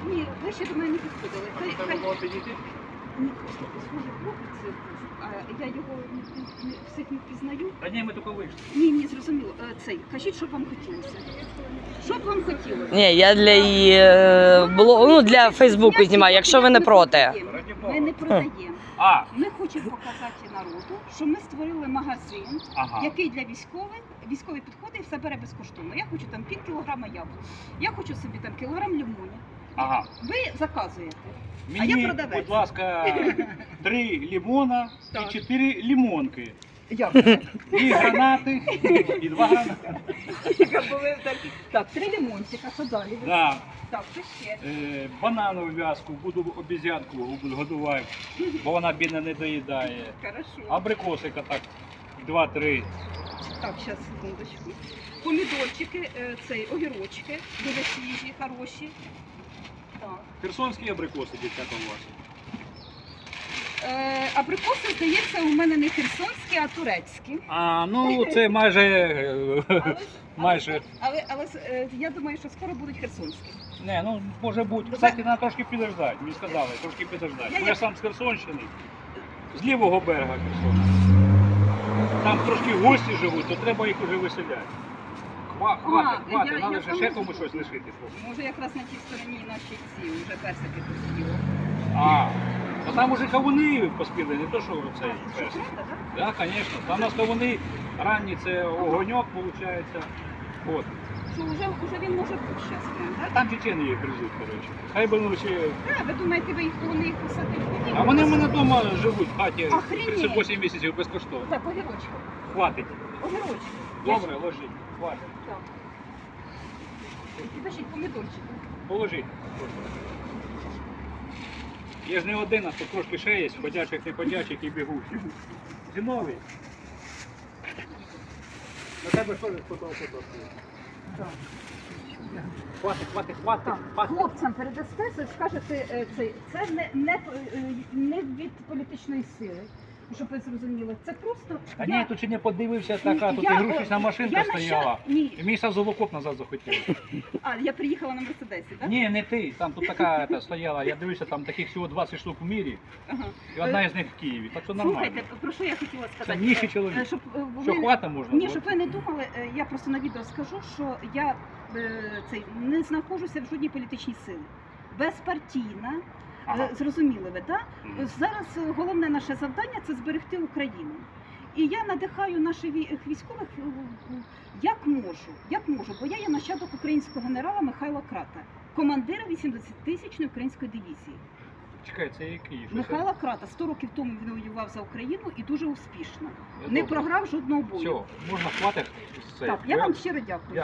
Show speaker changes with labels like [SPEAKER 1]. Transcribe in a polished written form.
[SPEAKER 1] Ні, ви ще до мене не підходили.
[SPEAKER 2] Треба було підійти?
[SPEAKER 1] Ні, схоже, хлопець, а я його всіх не впізнаю.
[SPEAKER 2] Та ні, ми тільки вийшли.
[SPEAKER 1] Ні, зрозуміло. Цей, кажіть, що б вам хотілося. Що б вам хотілося?
[SPEAKER 3] Ні, я для її ну, для Фейсбуку знімаю, якщо ви не проти.
[SPEAKER 1] Ми не продаємо.
[SPEAKER 2] А,
[SPEAKER 1] Ми хочемо показати народу, що ми створили магазин,
[SPEAKER 2] ага.
[SPEAKER 1] який для військових, військові підходить і все бере безкоштовно. Я хочу там пів кілограма яблук, я хочу собі там кілограм лимонів.
[SPEAKER 2] Ага.
[SPEAKER 1] Ви заказуєте.
[SPEAKER 2] Мені,
[SPEAKER 1] я продавець.
[SPEAKER 2] будь ласка, 3 лимона
[SPEAKER 1] Так.
[SPEAKER 2] і 4 лимонки.
[SPEAKER 1] Як?
[SPEAKER 2] І гранати, і 2 гранати.
[SPEAKER 1] Так, 3 лимончика, що далі?
[SPEAKER 2] Да.
[SPEAKER 1] Так, що ще?
[SPEAKER 2] Бананову в'язку, буду обізянку годувати, бо вона бідна не доїдає.
[SPEAKER 1] Хорошо.
[SPEAKER 2] Абрикосика так, 2-3.
[SPEAKER 1] Так, зараз, секундочку. Помідорчики, цей, огірочки, дуже свіжі, хороші. Так.
[SPEAKER 2] Херсонські абрикоси, дівчата, у вас.
[SPEAKER 1] Абрикоси, здається, у мене не херсонські, а турецькі.
[SPEAKER 2] А, ну це майже,
[SPEAKER 1] Але я думаю, що скоро будуть херсонські.
[SPEAKER 2] не, ну може бути. Кстати, треба трошки підождати, мені сказали, трошки підождати. Бо я сам з Херсонщини, з лівого берега Херсона. Там трошки гості живуть, то треба їх уже виселяти. Хватить, треба ж ще комусь щось лишити.
[SPEAKER 1] Може якраз на тій стороні наші ці, вже персики поспіли.
[SPEAKER 2] А, ну там уже кавуни поспіли, не то що цей
[SPEAKER 1] Що,
[SPEAKER 2] персик.
[SPEAKER 1] правда, так?
[SPEAKER 2] Так, звісно. Там у нас кавуни ранні, це огоньок, виходить. От.
[SPEAKER 1] Що вже він може бути зараз прям, так?
[SPEAKER 2] Там чечени їх гризуть, коротше. Хай би ну ще...
[SPEAKER 1] Так, ви думаєте, ви їх вони їх посадили?
[SPEAKER 2] А вони в мене вдома живуть в хаті
[SPEAKER 1] Охренеть.
[SPEAKER 2] 38 місяців безкоштовно.
[SPEAKER 1] Так, огірочки.
[SPEAKER 2] Хватить.
[SPEAKER 1] Огірочки.
[SPEAKER 2] Добре, ложіть. Хватить.
[SPEAKER 1] Так. Підождіть, помідорчики.
[SPEAKER 2] Положіть. Є ж не один, а тут трошки ще є, ходячих, неходячих і бігучих. Зимовий. На тебе що ж фото-фото?
[SPEAKER 1] Так.
[SPEAKER 2] Хватить.
[SPEAKER 1] Хлопцям передасте, скажете, це не від політичної сили, щоб ви зрозуміли. Це просто...
[SPEAKER 2] А ні, тут ще не подивився така, тут
[SPEAKER 1] Я-
[SPEAKER 2] ігрушечна машинка
[SPEAKER 1] я
[SPEAKER 2] стояла.
[SPEAKER 1] Ні.
[SPEAKER 2] І мені сразу в окоп назад захотілося.
[SPEAKER 1] А, я приїхала на Мерседесі, так?
[SPEAKER 2] Ні, не ти, там тут така стояла, я дивився, там таких всього 20 штук в мірі,
[SPEAKER 1] Ага.
[SPEAKER 2] і одна із них в Києві, так що нормально.
[SPEAKER 1] Слухайте, про що я хотіла сказати?
[SPEAKER 2] Це ніжий чоловік.
[SPEAKER 1] Щоб
[SPEAKER 2] Що, хвата можна?
[SPEAKER 1] Ні, щоб ви не думали, я просто на відео скажу, що я не знаходжуся в жодній політичній силі. Безпартійна,
[SPEAKER 2] Ага.
[SPEAKER 1] зрозуміли ви, так?
[SPEAKER 2] Мгм.
[SPEAKER 1] Зараз головне наше завдання – це зберегти Україну. І я надихаю наших військових як можу, бо я є нащадок українського генерала Михайла Крата, командира 80-тисячної української дивізії.
[SPEAKER 2] Чекай, це який? Що це?
[SPEAKER 1] Михайла Крата 100 років тому він воював за Україну і дуже успішно.
[SPEAKER 2] Я
[SPEAKER 1] Не
[SPEAKER 2] добре.
[SPEAKER 1] програв жодного бою.
[SPEAKER 2] Все, можна хватить з цей.
[SPEAKER 1] Так, я вам щиро дякую.